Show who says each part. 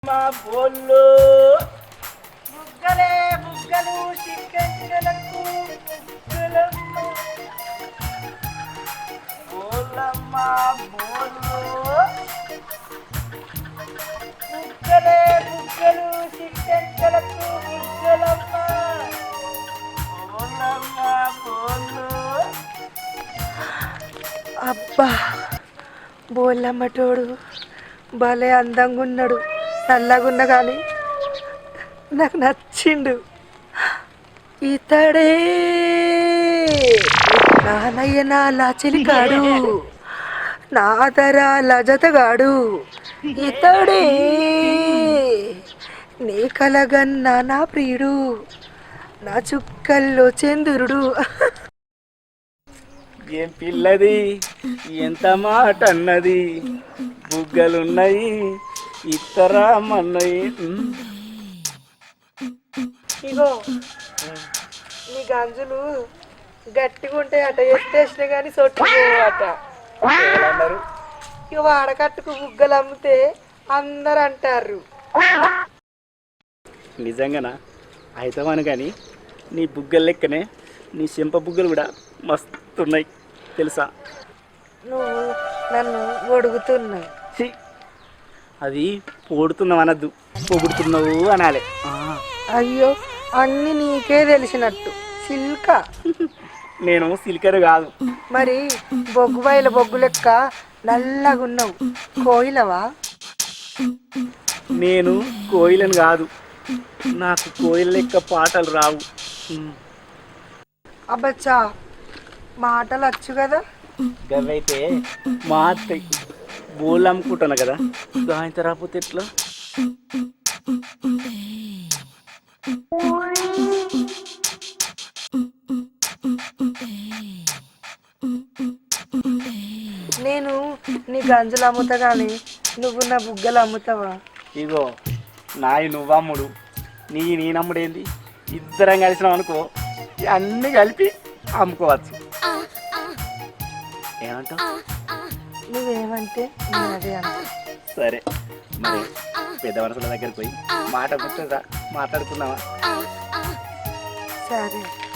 Speaker 1: మా బోళ్ళు బుగ్గలే బుగ్గలు చిక్కెలకు బుగ్గలమ్మ బోళ్ళమ్మ బోళ్ళు బుగ్గలే బుగ్గలు చిక్కెలకు బుగ్గలమ్మ బోళ్ళమ్మ బోళ్ళు.
Speaker 2: అబ్బా బోళ్ళమ్మటోడు భలే అందంగా ఉన్నాడు, నల్లగున్నా కానీ నాకు నచ్చిండు. ఇతడే నానయ్య నా లాచెలిగాడు, నాదరా లజతగాడు, ఇతడే నీ కలగన్నా నా ప్రియుడు, నా చుక్కల్లో చంద్రుడు.
Speaker 1: ఏం పిల్లది ఎంత మాట అన్నది, బుగ్గలున్నాయి ఇతరా మన్నయి.
Speaker 2: ఇగో నీ గంజులు గట్టిగా ఉంటాయి అట, ఎత్తేసిన కానీ సొట్టుకోవట.
Speaker 1: అన్నారు
Speaker 2: ఇక వాడకట్టుకు బుగ్గలు అమ్మితే అందరు అంటారు.
Speaker 1: నిజంగానా అయితమను కానీ నీ బుగ్గలు లెక్కనే నీ చెంప బుగ్గలు కూడా మస్తున్నాయి తెలుసా.
Speaker 2: నువ్వు నన్ను ఒడుగుతున్నావు.
Speaker 1: ఛీ, అది పొడుతున్నావు అనద్దు, పొగుడుతున్నావు అనాలి.
Speaker 2: అయ్యో అన్ని నీకే తెలిసినట్టు సిల్క.
Speaker 1: నేను సిలికరు కాదు.
Speaker 2: మరి బొగ్గు బయల బొగ్గు లెక్క నల్లగున్నావు, కోయిలవా?
Speaker 1: నేను కోయిలను కాదు, నాకు కోయిల లెక్క పాటలు రావు.
Speaker 2: అబ్బచ్చా మాటలు వచ్చు కదా.
Speaker 1: గవైతే మా అత్తయ్య బోళ్ళు అమ్ముకుంటాను కదా, దాని రాకపోతే ఎట్లా.
Speaker 2: నేను నీ గంజలు అమ్ముతా కానీ నువ్వు నా బుగ్గలు అమ్ముతావా?
Speaker 1: ఇగో నాయి నువ్వమ్ముడు, నీ నమ్ముడు ఏంది, ఇద్దరం కలిసినాం అనుకో అన్నీ కలిపి అమ్ముకోవచ్చు. ఏమంటావు?
Speaker 2: నువ్వేమంటే నేను అదే అంటా.
Speaker 1: సరే మరి పెద్ద మనుషుల దగ్గరికి పోయి మాట గుర్తుందా, మాట్లాడుకుందామా?
Speaker 2: సరే.